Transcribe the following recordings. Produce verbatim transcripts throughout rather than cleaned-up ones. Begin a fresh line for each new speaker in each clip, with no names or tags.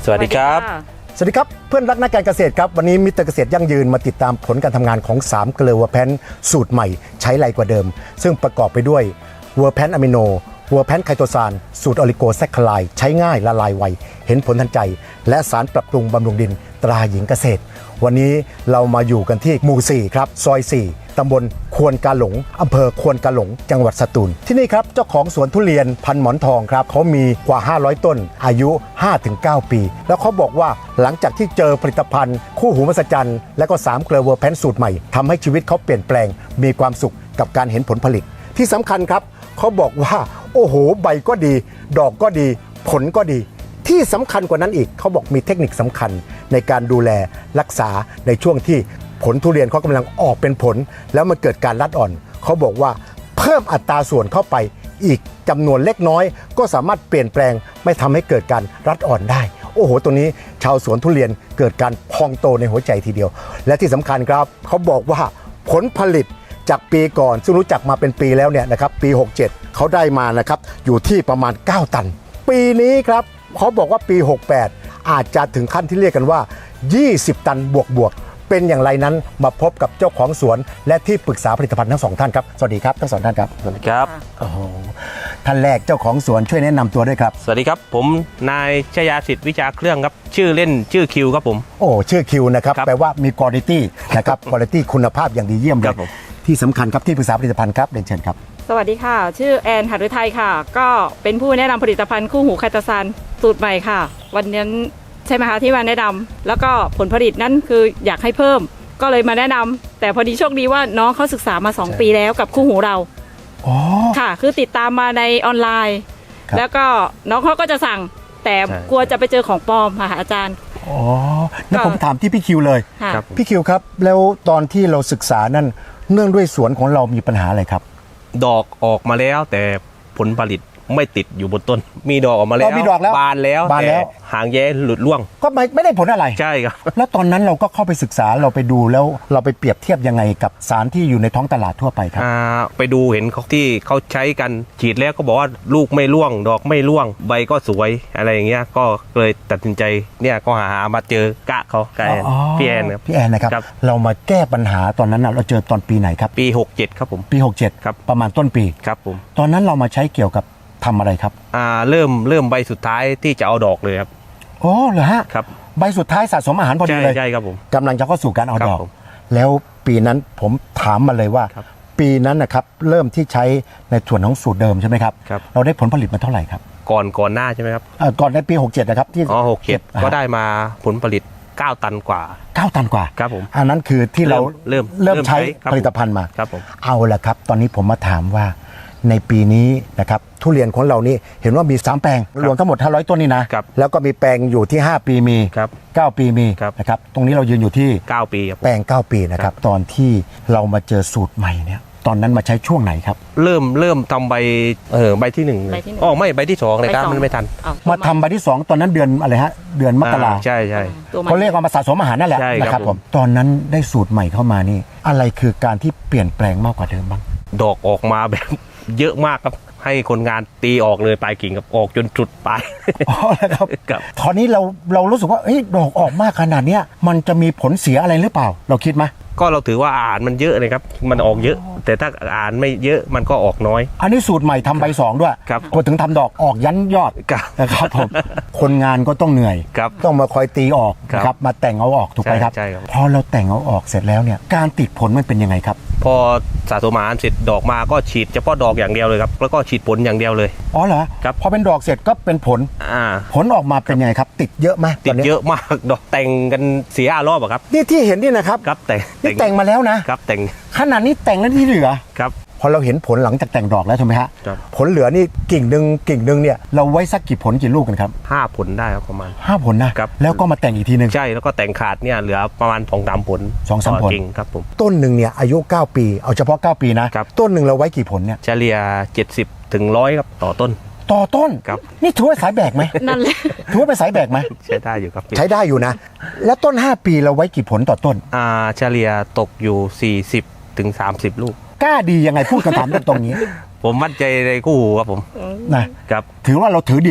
สวัสดีครับ
สวัสดีครับเพื่อนรักนักการเกษตรครับวันนี้มิสเตอร์เกษตรยั่งยืนมาติดตามผลการทำงานของสามเกลือเวอร์แพนสูตรใหม่ใช้ไรกว่าเดิมซึ่งประกอบไปด้วยเวอร์แพนอะมิโนเวอร์แพนไคโตซานสูตรออลิโกแซคคลายใช้ง่ายละลายไวเห็นผลทันใจและสารปรับปรุงบำรุงดินตราหญิงเกษตรวันนี้เรามาอยู่กันที่หมู่สี่ครับซอยสี่ตำบลควนกาหลงอำเภอควนกาหลงจังหวัดสตูลที่นี่ครับเจ้าของสวนทุเรียนพันหมอนทองครับเขามีกว่าห้าร้อยต้นอายุ ห้าถึงเก้า ปีแล้วเขาบอกว่าหลังจากที่เจอผลิตภัณฑ์คู่หูมหัศจรรย์และก็สามเกลือเวอร์แพนสูตรใหม่ทำให้ชีวิตเขาเปลี่ยนแปลงมีความสุขกับการเห็นผลผลิตที่สำคัญครับเขาบอกว่าโอ้โหใบก็ดีดอกก็ดีผลก็ดีที่สำคัญกว่านั้นอีกเขาบอกมีเทคนิคสำคัญในการดูแลรักษาในช่วงที่ผลทุเรียนเขากำลังออกเป็นผลแล้วมันเกิดการรัดอ่อนเขาบอกว่าเพิ่มอัตราส่วนเข้าไปอีกจำนวนเล็กน้อยก็สามารถเปลี่ยนแปลงไม่ทำให้เกิดการรัดอ่อนได้โอ้โหตัวนี้ชาวสวนทุเรียนเกิดการพองโตในหัวใจทีเดียวและที่สำคัญครับเขาบอกว่าผลผลิตจากปีก่อนซึ่งรู้จักมาเป็นปีแล้วเนี่ยนะครับปีหกเจ็ดเขาได้มานะครับอยู่ที่ประมาณเก้าตันปีนี้ครับเขาบอกว่าปีหกแปดอาจจะถึงขั้นที่เรียกกันว่ายี่สิบตันบวกบวกเป็นอย่างไรนั้นมาพบกับเจ้าของสวนและที่ปรึกษาผลิตภัณฑ์ทั้งสองท่านครับสวัสดีครับทั้งสองท่านครับ
สวัสดีครับ
โอ้โหท่านแรกเจ้าของสวนช่วยแนะนำตัวด้วยครับ
สวัสดีครับผมนายชยาสิทธิ์วิชาเครื่องครับชื่อเล่นชื่อคิวครับผม
โอ้ชื่อคิวนะครับแปลว่ามีคุณภาพนะครับคุณภาพคุณภาพอย่างดีเยี่ยมเลยที่สำคัญครับที่ปรึกษาผลิตภัณฑ์ครับเรียนเชิญครับ
สวัสดีค่ะชื่อแอนหฤทัยค่ะก็เป็นผู้แนะนำผลิตภัณฑ์คู่หูไคโตซานสูตรใหม่ค่ะวันนี้ใช่ไหมคะที่มาแนะนำแล้วก็ผลผลิตนั้นคืออยากให้เพิ่มก็เลยมาแนะนำแต่พอดีโชคดีว่าน้องเขาศึกษามาสองปีแล้วกับคู่หูเรา
อ๋อ
ค่ะคือติดตามมาในออนไลน์แล้วก็น้องเขาก็จะสั่งแต่กลัวจะไปเจอของปลอมค่ะอาจารย์
อ๋อแล้วผมถามที่พี่คิวเลยพี่คิวครับแล้วตอนที่เราศึกษานั่นเนื่องด้วยสวนของเรามีปัญหาอะไรครับ
ดอกออกมาแล้วแต่ผลผลิตไม่ติดอยู่บนต้นมีดอกออกมาแล้วบานแล้วแต่หางแย้หลุดร่วง
ก็ไม่ไม่ได้ผลอะไร
ใช่ครับ
แล้วตอนนั้นเราก็เข้าไปศึกษาเราไปดูแล้วเราไปเปรียบเทียบยังไงกับสารที่อยู่ในท้องตลาดทั่วไปครับ
ไปดูเห็นเขาที่เขาใช้กันฉีดแล้วก็บอกว่าลูกไม่ร่วงดอกไม่ร่วงใบก็สวยอะไรอย่างเงี้ยก็เลยตัดสินใจเนี่ยก็หามาเจอกะเขาแอนพี่แอนครับ
พี่แอนนะครับเรามาแก้ปัญหาตอนนั้นเราเจอตอนปีไหนครับ
ปีหกเจ็ดครับผม
ปีหกเจ็ด
ครับ
ประมาณต้นปี
ครับผม
ตอนนั้นเรามาใช้เกี่ยวกับทำอะไรครับ
อ่าเริ่มเริ่มใบสุดท้ายที่จะเอาดอกเลยครับ
อ๋อเหรอฮะ
ครับ
ใบสุดท้ายสะสมอาหารพอดีเลย
ใช่ครับผม
กำลังจะเข้าสู่การเอาดอกแล้วปีนั้นผมถามมาเลยว่าปีนั้นนะครับเริ่มที่ใช้ในส่วนของสูตรเดิมใช่ไหมครับเราได้ผลผลิตมาเท่าไหร่ครับ
ก่อนก่อนหน้าใช่ไหมครับ
ก่อนในปีหกเจ็ดนะครับที่
อ๋อหกเจ็ดก็ได้มาผลผลิตเก้าตันกว่า
เก้าตันกว่า
ครับผม
อันนั้นคือที่เรา
เริ่ม
เริ่มใช้ผลิตภัณฑ์มา
ครับผม
เอาละครับตอนนี้ผมมาถามว่าในปีนี้นะครับทุเรียนของเรานี่เห็นว่ามีสามแปลงรวมทั้งหมดห้าร้อยต้นนี่นะแล้วก็มีแปลงอยู่ที่ห้าปีมีเก้าปีมีนะครับตรงนี้เรายืนอยู่ที่
เก้าปี
แปลงเก้าปีนะครับตอนที่เรามาเจอสูตรใหม่เนี่ยตอนนั้นมาใช้ช่วงไหนครับ
เริ่มเริ่มทำใบเออใบที่หนึ่งอ๋อไม่ใบที่สองเลยครับมันไม่ทัน
มาทำใบที่สองตอนนั้นเดือนอะไรฮะเดือนมกรา
ใช่ใช่
เขาเรียกว่ามาสะสมอาหารนั่นแหละนะครับผมตอนนั้นได้สูตรใหม่เข้ามานี่อะไรคือการที่เปลี่ยนแปลงมากกว่าเดิมบ้าง
ดอกออกมาแบบเยอะมากครับให้คนงานตีออกเลยปลายกิ่งกับออกจนจุดปลาย
อ๋อครับตอนนี้เราเรารู้สึกว่าเอ้ยดอกออกมากขนาดเนี้ยมันจะมีผลเสียอะไรหรือเปล่าเราคิดไหม
ก็เราถือว่าอาหารมันเยอะเลยครับมันออกเยอะแต่ถ้าอาหารไม่เยอะมันก็ออกน้อย
อันนี้สูตรใหม่ทำใบสองด้วย
ครับ
พอถึงทำดอกออกยันยอดนะครับผมคนงานก็ต้องเหนื่อยต้องมาคอยตีออกครับมาแต่งเอาออกถูกไหมครับพอเราแต่งเอาออกเสร็จแล้วเนี่ยการติดผลมันเป็นยังไงครับ
พอสะสมอาหารเสร็จดอกมาก็ฉีดเฉพาะดอกอย่างเดียวเลยครับแล้วก็ฉีดผลอย่างเดียวเลย
อ๋อเหรอ
ครับ
พอเป็นดอกเสร็จก็เป็นผล
อ่า
ผลออกมาเป็นยังไงครับติดเยอะไหม
ติดเยอะมากดอกแต่งกันเสียรอบอะครับ
นี่ที่เห็นนี่นะครับ
ครับแต่ง
นี่แต่งมาแล้วนะครับ
แต่ง
ขนาดนี้แต่งแล้วที่เหลือ
ครับ
พอเราเห็นผลหลังจากแต่งดอกแล้วใช่ไหมฮะผลเหลือนี่กิ่งหนึ่งกิ่งหนึ่งเนี่ยเราไว้สักกี่ผลกี่ลูกกันครับ
ห้าผลได้ครับประมาณ
ห้าผลนะครับแล้วก็มาแต่งอีกทีนึง
ใช่แล้วก็แต่งขาดเนี่ยเหลือประมาณสองสามผล
สองสามผล
กิ่งครับผม
ต้นหนึ่งเนี่ยอายุเก้าปีเอาเฉพาะเก้าปีนะต้นหนึ่งเราไว้กี่ผลเนี่ย
เฉลี่ยเจ็ดสิบถึงร้อยครับต่อต้น
ต่อต้น
ครับ
นี่ถือว่าสายแบกไหม
นั่นแหละ
ถือว่าเป็นสายแบกไหม
ใช้ได้อยู่ครับ
ใช้ได้อยู่นะแล้วต้นห้าปีเราไว้กี่ผลต่อต้น
อ่าเฉลี่ยตกอยู่สี่สิบถึงสามสิบลูก
กล้าดียังไงพูดคำถามตรงนี้
ผมมั่นใจในคู่หูครับผม
นะครับถือว่าเราถือดี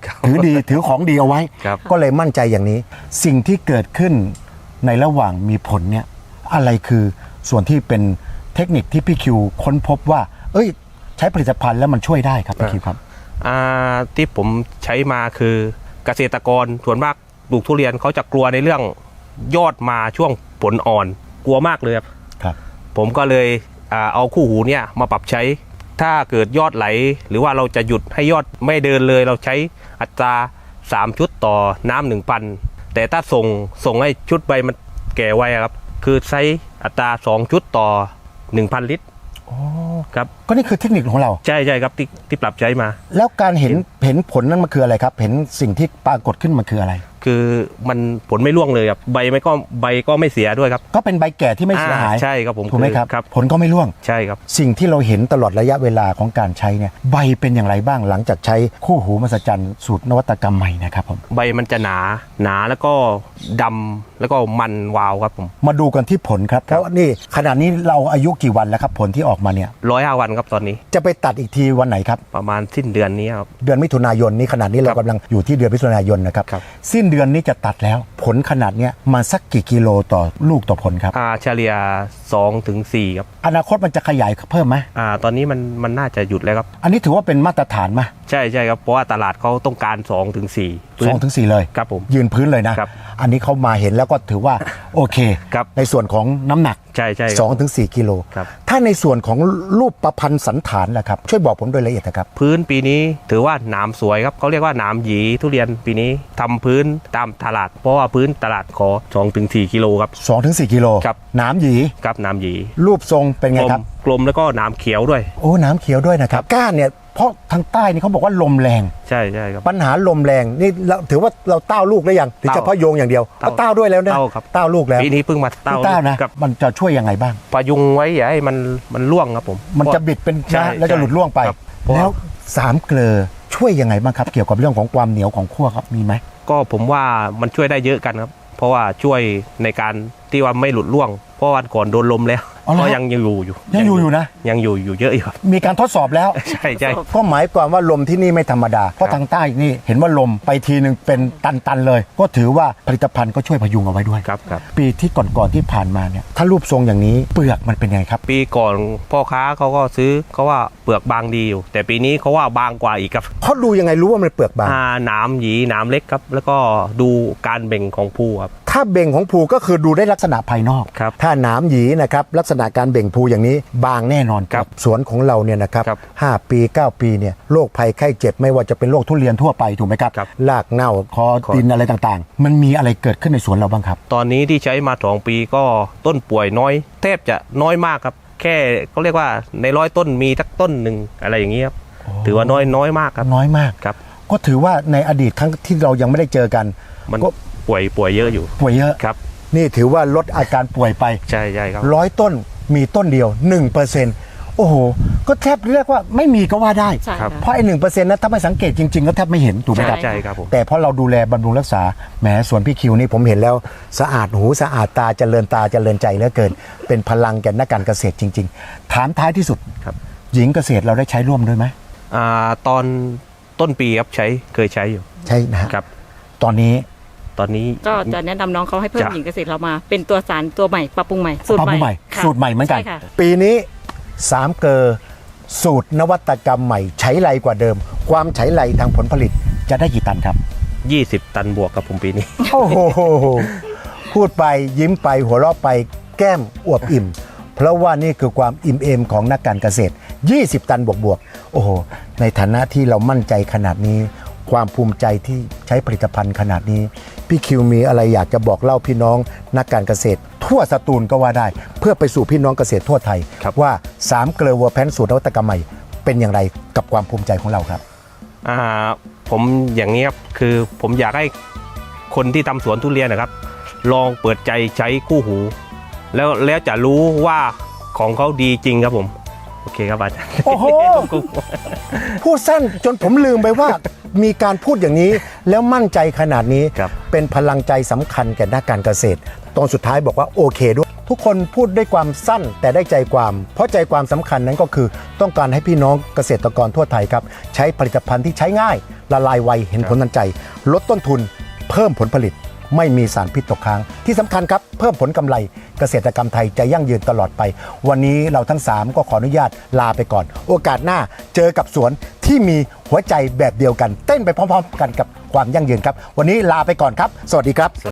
ถือดีถือของดีเอาไว้
ครับ
ก็เลยมั่นใจอย่างนี้ สิ่งที่เกิดขึ้นในระหว่างมีผลเนี่ยอะไรคือส่วนที่เป็นเทคนิคที่พี่คิวค้นพบว่า เอ้ย ใช้ผลิตภัณฑ์แล้วมันช่วยได้ครับพี่คิวครับ
อ่าที่ผมใช้มาคือเกษตรกรส่วนมากปลูกทุเรียนเขาจะกลัวในเรื่องยอดมาช่วงผลอ่อนกลัวมากเลยครับ
ครับ
ผมก็เลยอ่าเอาคู่หูเนี่ยมาปรับใช้ ถ้าเกิดยอดไหล หรือว่าเราจะหยุดให้ยอดไม่เดินเลย เราใช้อัตราสามชุดต่อน้ำหนึ่งพันแต่ถ้าส่งส่งให้ชุดใบมันแก่ไวอะครับคือใช้อัตราสองชุดต่อหนึ่งพันลิตรครับ
ก็นี่คือเทคนิคของเรา
ใช่ใช่ครับที่ที่ปรับใช้มา
แล้วการเห็นเห็นผลนั้นมันคืออะไรครับ เห็นสิ่งที่ปรากฏขึ้นมันคืออะไร
คือมันผลไม่ร่วงเลยครับใบไม่ก็ใบก็ไม่เสียด้วยครับ
ก็เป็นใบแก่ที่ไม่เสียหาย
อ่ใช่ครับผม
ถูกไหมครับ
ครับ
ผลก็ไม่ร่วง
ใช่ครับ
สิ่งที่เราเห็นตลอดระยะเวลาของการใช้เนี่ยใบเป็นอย่างไรบ้างหลังจากใช้คู่หูมหัศจรรย์สูตรนวัตกรรมใหม่นะครับผม
ใบมันจะหนาหนาแล้วก็ดำแล้วก็มันวาวครับผม
มาดูกันที่ผลครับเพราะนี่ขณะนี้เราอายุกี่วันแล้วครับผลที่ออกมาเนี่ย
ร้อยห้าวันครับตอนนี้
จะไปตัดอีกทีวันไหนครับ
ประมาณสิ้นเดือนนี้ครับ
เดือนมิถุนายนนี้ขณะนี้เรา
ครับ
กำลังอยู่ที่เดือนมิถุนายนนะครับ
ครับ
สิ้นเดือนนี้จะตัดแล้วผลขนาดเนี้ยมาสักกี่กิโลต่อลูกต่อผลครับ
อ่าเฉลี่ยสองถึงสี่ครับ
อนาคตมันจะขยายเพิ่มไหม
อ่าตอนนี้มันมันน่าจะหยุดแล้วครับ
อันนี้ถือว่าเป็นมาตรฐานไหม
ใช่ใช่ครับเพราะว่าตลาดเขาต้องการสองถึงสี่
สองถึงสี่เลย
ครับผม
ยืนพื้นเลยนะ
ครับ
อันนี้เขามาเห็นแล้วก็ถือว่าโอเค
ครับ
ในส่วนของน้ำหนัก
ใช่ใช่ครับ
สองถึงสี่กิโล
ครับ
ถ้าในส่วนของรูปประพันธ์สันฐานล่ะครับ ช่วยบอกผมโดยละเอียดนะครับ
พื้นปีนี้ถือว่าหนามสวยครับเขาเรียกว่าหนามหยีทุเรียนปีนี้ทำพื้นตามตลาด เพราะว่าพื้นตลาดขอสองถึงสี่กิโลครับ
สองถึงสี่กิโล
ครับ
น้ำหยี
ครับหนามหยี
รูปทรงเป็น
ก
ไง
ลม
ครับ
กลมแล้วก็หนามเขียวด้วย
โอ้น้ำเขียวด้วยนะครับก้านเนี่ยเพราะทางใต้นี่เขาบอกว่าลมแรง
ใช่ใช่ครับ
ปัญหาลมแรงนี่เราถือว่าเราเต้าลูกแล้วยังหรือ
เต้า
เฉพาะโยงอย่างเดียว
เต้า
ก็เต้าด้วยแล้วนะ
เต้าครับ
เต้าลูกแล้ว
ปีนี้เพิ่งมาเต้า
เต้านะ
กับ
มันจะช่วยยังไงบ้าง
พยุงไว้อย่าให้มันมันร่วงครับผม
มันจะบิดเป็น
ใช่
นะแล้วจะหลุดล่วงไป
ครับเพราะว่า
แล้วสามเกลือช่วยยังไงบ้างครับ เกี่ยวกับเรื่องของความเหนียวของขั้วครับมีไหม
ก็ผมว่ามันช่วยได้เยอะกันครับ เพราะว่าช่วยในการที่ว่าไม่หลุดร่วง เพราะวันก่อนโดนลมแล้ว
อ๋อเหรอ
ก็ยังอยู่อยู่
ยังอยู่อยู่นะ
ยังอยู่อยู่เยอะอยู่ครับ
มีการทดสอบแล้ว
ใช่ใช่
ก็หมายความว่าลมที่นี่ไม่ธรรมดา เพราะทางใต้นี่เห็นว่าลมไปทีหนึ่งเป็นตันๆเลย ก็ถือว่าผลิตภัณฑ์ก็ช่วยพยุงเอาไว้ด้วย
ครับครับ
ปีที่ก่อนๆที่ผ่านมาเนี่ยถ้ารูปทรงอย่างนี้เปลือกมันเป็นไงครับ
ปีก่อนพ่อค้าเขาก็ซื้อเขาว่าเปลือกบางดีอยู่ แต่ปีนี้เขาว่าบางกว่าอีกครับ
เขาดูยังไงรู้ว่ามันเปลือกบาง
อ่าหนามหยีหนามเล็กครับ แล้วก็ดูการเบ่งของภูครับ
ถ้าเบ่งของภูก็คือดูได้ลักษณะภายนอก
ครับ
ถ้าหนามหยีนะครับลักษณะการเบ่งภูอย่างนี้บางแน่นอน
ครับ
สวนของเราเนี่ยนะครับ
ครับ
ห้าปีเก้าปีเนี่ยโรคภัยไข้เจ็บไม่ว่าจะเป็นโรคทุเรียนทั่วไปถูกไหมครับ
ครับ
รากเน่าคอดินอะไรต่างๆ มันมีอะไรเกิดขึ้นในสวนเราบ้างครับ
ตอนนี้ที่ใช้มาสองปีก็ต้นป่วยน้อยแทบจะน้อยมากครับ แค่เขาเรียกว่าในร้อยต้นมีสักต้นหนึ่งอะไรอย่างเงี้ยครับถือว่าน้อยน้อยมากครับ
น้อยมาก
ครับ
ก็ถือว่าในอดีตครั้งที่เรายังไม่ได้เจอกัน
มัน
ก็
ป่วยป่วยเยอะอยู่
ป่วยเยอะ
ครับ
นี่ถือว่าลดอาการป่วยไป
ใช่ใช่ครับ
ร้อยต้นมีต้นเดียว หนึ่งเปอร์เซ็นต์ โอ้โห ก็แทบเรียกว่าไม่มีก็ว่าได้
ใช่
ครับ
ค่ะ
เพราะไอ้หนึ่งเปอร์เซ็นต์นั้นถ้าไม่สังเกตจริงๆ ก็แทบไม่เห็นถูกไหมครับ
ใช่ครับผม
แต่เพราะเราดูแลบำรุงรักษาแหมสวนพี่คิวนี่ผมเห็นแล้วสะอาดหูสะอาดตาเจริญตาเจริญใจเหลือเกิน เป็นพลังแก่นักการเกษตรจริง ๆ ถามท้ายที่สุด
ครับ
หญิงเกษตรเราได้ใช้ร่วมด้วยไหม
อ่าตอนต้นปีครับใช้เคยใช้อยู่
ใช่นะฮะ
ครับ
ตอนนี้
ตอนนี้
ก็จะแนะนำน้องเขาให้เพิ่ม
จ้ะ
หญิงเกษตรเรามา เป็นตัวสารตัวใหม่ปรับปรุงใหม่สูตร
ปรับปรุงใหม่
ค่ะ
สูตรใหม่เหมือนกัน
ใช่ค่ะ
ปีนี้สามเกลอสูตรนวัตกรรมใหม่ใช้ไรกว่าเดิม ความใช้ไรทางผลผลิตจะได้กี่ตันครับ
ยี่สิบตันบวกกับผมปีนี้
โอ้โห พูดไปยิ้มไปหัวเราะไปแก้มอวบอิ่ม เพราะว่านี่คือความอิ่มเอมของนักการเกษตร ยี่สิบ ตันบวกๆ โอ้โห ในฐานะที่เรามั่นใจขนาดนี้ ความภูมิใจที่ใช้ผลิตภัณฑ์ขนาดนี้ พี่คิวมีอะไรอยากจะบอกเล่าพี่น้องนักการเกษตร ทั่วสตูลก็ว่าได้ เพื่อไปสู่พี่น้องเกษตรทั่วไทย
ครับ
ว่าสามเกลือวัวแพนสูตรนวัตกรรมใหม่เป็นอย่างไรกับความภูมิใจของเราครับ
อ่าผมอย่างนี้ครับคือผมอยากให้คนที่ทำสวนทุเรียนนะครับ ลองเปิดใจใช้คู่หู แล้วแล้วจะรู้ว่าของเขาดีจริงครับผม โอเคครับอาจารย์
โอ้โห พูดสั้นจนผมลืมไปว่า มีการพูดอย่างนี้ แล้วมั่นใจขนาดนี้
ครับ
เป็นพลังใจสำคัญแก่นักการเกษตร ตอนสุดท้ายบอกว่าโอเคด้วยทุกคนพูดด้วยความสั้นแต่ได้ใจความ เพราะใจความสำคัญนั้นก็คือต้องการให้พี่น้องเกษตรกรทั่วไทยครับใช้ผลิตภัณฑ์ที่ใช้ง่ายละลายไวเห็นผลทันใจลดต้นทุนเพิ่มผลผลิตไม่มีสารพิษตกค้างที่สำคัญครับเพิ่มผลกำไรเกษตรกรรมไทยจะยั่งยืนตลอดไปวันนี้เราทั้งสามก็ขออนุญาตลาไปก่อน โอกาสหน้าเจอกับสวนที่มีหัวใจแบบเดียวกันเต้นไปพร้อมๆกันกับความยั่งยืนครับวันนี้ลาไปก่อนครับสวัสดีครับ